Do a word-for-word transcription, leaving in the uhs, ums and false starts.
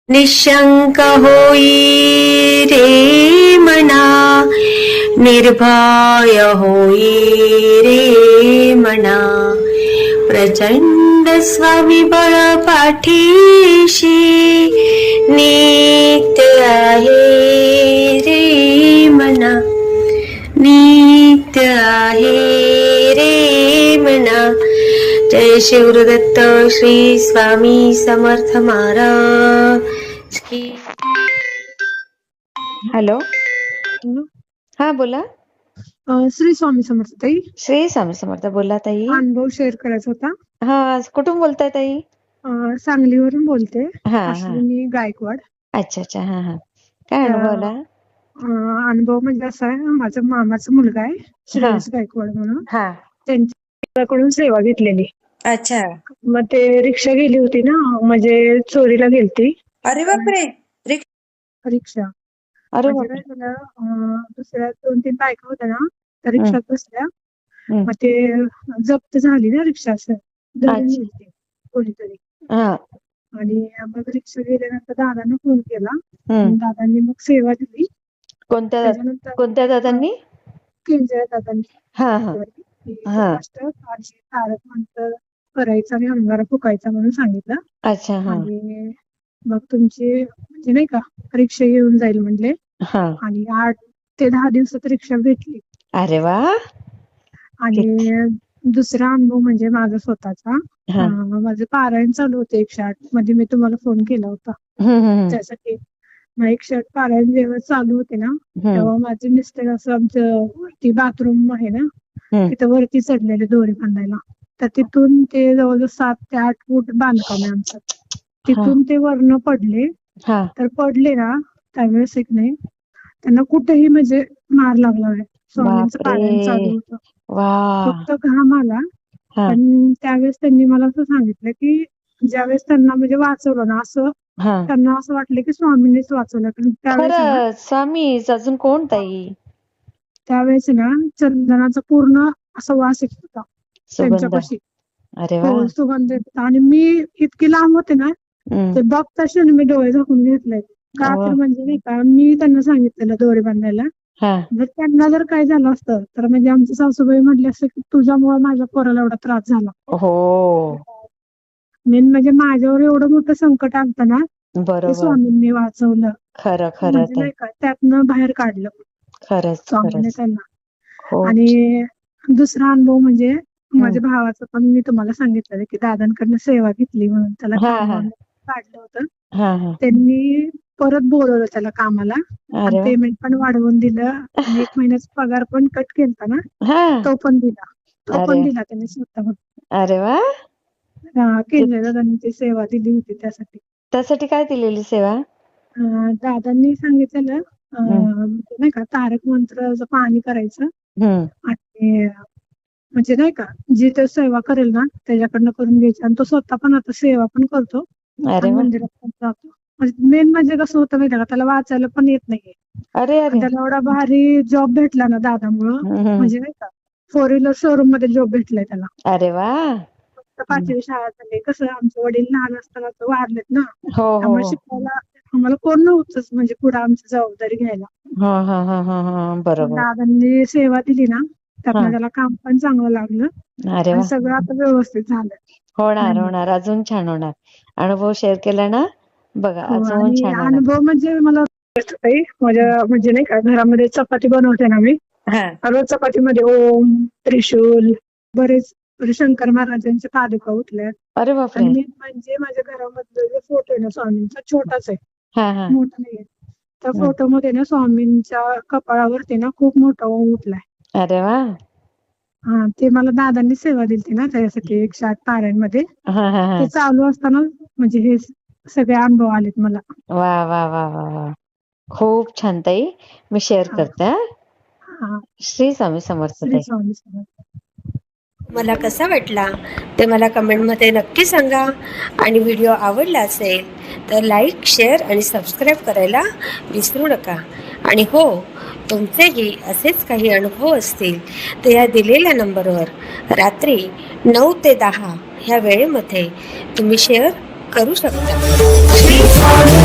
निशंक होई रे मना, निर्भय होई रे मना, प्रचंड स्वविबळ पाठीशी नित्य आहे रे मना, नित्य आहे रे मना. जय शिवदत्त श्री स्वामी समर्थ महाराज की. Hello, hello. हा बोला. अं, श्री स्वामी समर्थ ताई. श्री स्वामी समर्थ. बोला ताई. अनुभव शेअर करायचा होता. हा, कुठून बोलताय ताई? अं, सांगलीवरून बोलते. हा हा. अश्विनी गायकवाड. अच्छा अच्छा. हा हा. काय अनुभव आला? अं, अनुभव म्हणजे असा आहे, माझा मामाचा मुलगा आहे श्रेयस गायकवाड म्हणून, हा. त्यांच्याकडून सेवा घेतलेली. अच्छा. मग ते रिक्षा गेली होती ना, म्हणजे चोरीला गेलती अरे बापरे. रिक्षा. अरे म्हणजे बापरे. काय झालं, अं, दुसऱ्या दोन तीन बायका होत्या ना, त्या हम्म. रिक्षात बसल्या. हम्म. मग ते जप्त झाली ना रिक्षा, असं धरून अच्छा. नेलती कोणीतरी. हा. आणि मग रिक्षा गेल्यानंतर दादांना फोन केला. हम्म. आणि दादांनी मग सेवा दिली. कोणत्या त्याच्यानंतर कोणत्या दादांनी? केंजळे दादांनी हा हा हा. आणि तारक मंत्र करायचा आणि अंगारा फुकायचा म्हणून सांगितलं. अच्छा. हा आणि मग तुमची म्हणजे नाही का रिक्षा येऊन जाईल म्हणले. हा. आणि आठ ते दहा दिवसात रिक्षा भेटली. अरे वा. आणि दुसरा अनुभव म्हणजे माझा स्वतःचा. हा. अं, माझं पारायण चालू होतं एकशे आठ मध्ये, मी तुम्हाला फोन केला होता हम्म हम्म त्यासाठी. मग एकशे आठ पारायण जेव्हा चालू होते ना, हम्म तेव्हा माझे मिस्टर असं आमचं वरती बाथरूम आहे ना, हम्म. तिथं वरती चढलेले दोरी बांधायला. तर तिथून ते जवळजवळ सात ते आठ फूट बांधकाम आहे आमचं. तिथून ते वरनं पडले. हा. तर पडले ना त्यावेळेस एक नाही, त्यांना कुठेही म्हणजे मार लागला नाही. स्वामींचं पारायण चालू बापरे. होतं, वा. फक्त घाम आला. हा. पण त्यावेळेस त्यांनी मला असं सांगितलं की ज्यावेळेस त्यांना म्हणजे वाचवलं ना, असं हा. त्यांना असं वाटलं की स्वामींनीच वाचवलं. कारण त्यावेळेस आहे ना, खरं स्वामी अजून कोण ताई? त्यावेळेस आहे ना चंदनाचा पूर्ण असा वास येत होता सुगंध. त्यांच्यापाशी. अरे वा. हो, सुगंध येत होता. आणि मी इतकी लांब होते ना, हम्म. ते बघताशी मी डोळे झाकून घेतले. का वा. तर म्हणजे नाही का, मी त्यांना सांगितलेलं दोरे बांधायला. हा. जर त्यांना जर काय झालं असतं तर म्हणजे आमची सासूबाई म्हटली असते की तुझ्यामुळे माझ्या पोराला एवढा त्रास झाला. हो. मेन म्हणजे माझ्यावर एवढं मोठं संकट आलतं ना, ते बरोबर. स्वामींनी वाचवलं. खरं खरं म्हणजे ताई. नाही का, त्यातनं बाहेर काढलं खरंच स्वामीने खरंच. त्यांना. हो. आणि दुसरा अनुभव म्हणजे माझ्या भावाचं पण मी तुम्हाला सांगितलं की दादांकडनं सेवा घेतली म्हणून त्याला हा हा कामावर काढलं होतं. हा हा. त्यांनी परत बोलवलं त्याला कामाला, आणि अरे वा. पेमेंट पण वाढवून दिलं. आणि एक महिन्याचा पगार पण कट केलता ना, हा. तो पण दिला. तो अरे पण दिला त्यांनी स्वतःहून. अरे वा. हा, केंद्र दादांनी ती सेवा दिली होती त्यासाठी. त्यासाठी काय दिलेली सेवा? अं, दादांनी सांगितलेलं अं, नाही का तारक मंत्राचं पाणी करायचं. हम्म. आणि म्हणजे नाही का, जी तो सेवा करेल ना त्याच्याकडनं करून घ्यायची. आणि तो स्वतः पण आता सेवा पण करतो अरे आणि वा. मंदिरात पण जातो. म्हणजे मेन म्हणजे कसं होतं माहिती का, त्याला वाचायला पण येत नाहीये. अरे आणि अरे. त्याला एवढा भारी जॉब भेटला ना दादामुळं, हम्म. म्हणजे नाही का फोर व्हीलर शोरूम मध्ये जॉब भेटलाय त्याला. अरे वा. फक्त पाचवी शाळा झाली. कसं आमचे वडील लहान असताना तर वारलेत ना, हो हो त्यामुळे हो. शिकवायला आम्हाला कोण नव्हतंच म्हणजे पुढे आमची जबाबदारी घ्यायला. हा हा हा हा हा. पण बरोबर. दादांनी सेवा दिली ना, हा. त्यातनं त्याला काम पण चांगलं लागलं. अरे आणि वा. सगळं आता व्यवस्थित झालं. होणार हम्म. होणार, अजून छान होणार. अनुभव शेअर केला ना, बघा हो, अजून आणि छान होणार. अनुभव म्हणजे मला ताई, माझ्या म्हणजे नाही का घरामध्ये चपाती बनवते ना मी, हा. रोज चपातीमध्ये ओम, त्रिशूल, बरेच शंकर महाराजांचे पादुका उठल्यात. अरे बापरे. आणि मेन म्हणजे माझ्या घरामधला जो फोटो आहे ना स्वामींचा, छोटाच आहे, हा हा. मोठा नाहीये. त्या हम्म. फोटो मध्ये ना स्वामींच्या कपाळावरती ना खूप मोठा ओम उठलाय. अरे वा. हा, ते मला दादांनी सेवा दिली ना त्याच्यासाठी एकशे आठ पारायण मध्ये. हा हा हा. ते चालू असताना म्हणजे हे सगळे अनुभव आलेत मला. वा वा वा वा वा. खूप छान ताई, मी शेअर हा. करते. हा. हा. श्री स्वामी समर्थ श्री ताई. स्वामी समर्थ. मला कसा वाटला ते मला कमेंटमध्ये नक्की सांगा. आणि व्हिडिओ आवडला असेल तर लाईक, शेअर आणि सबस्क्राईब करायला विसरू नका. आणि हो, तुमचेही असेच काही अनुभव असतील तर या दिलेल्या नंबरवर रात्री नऊ ते दहा ह्या वेळेमध्ये तुम्ही शेअर करू शकता.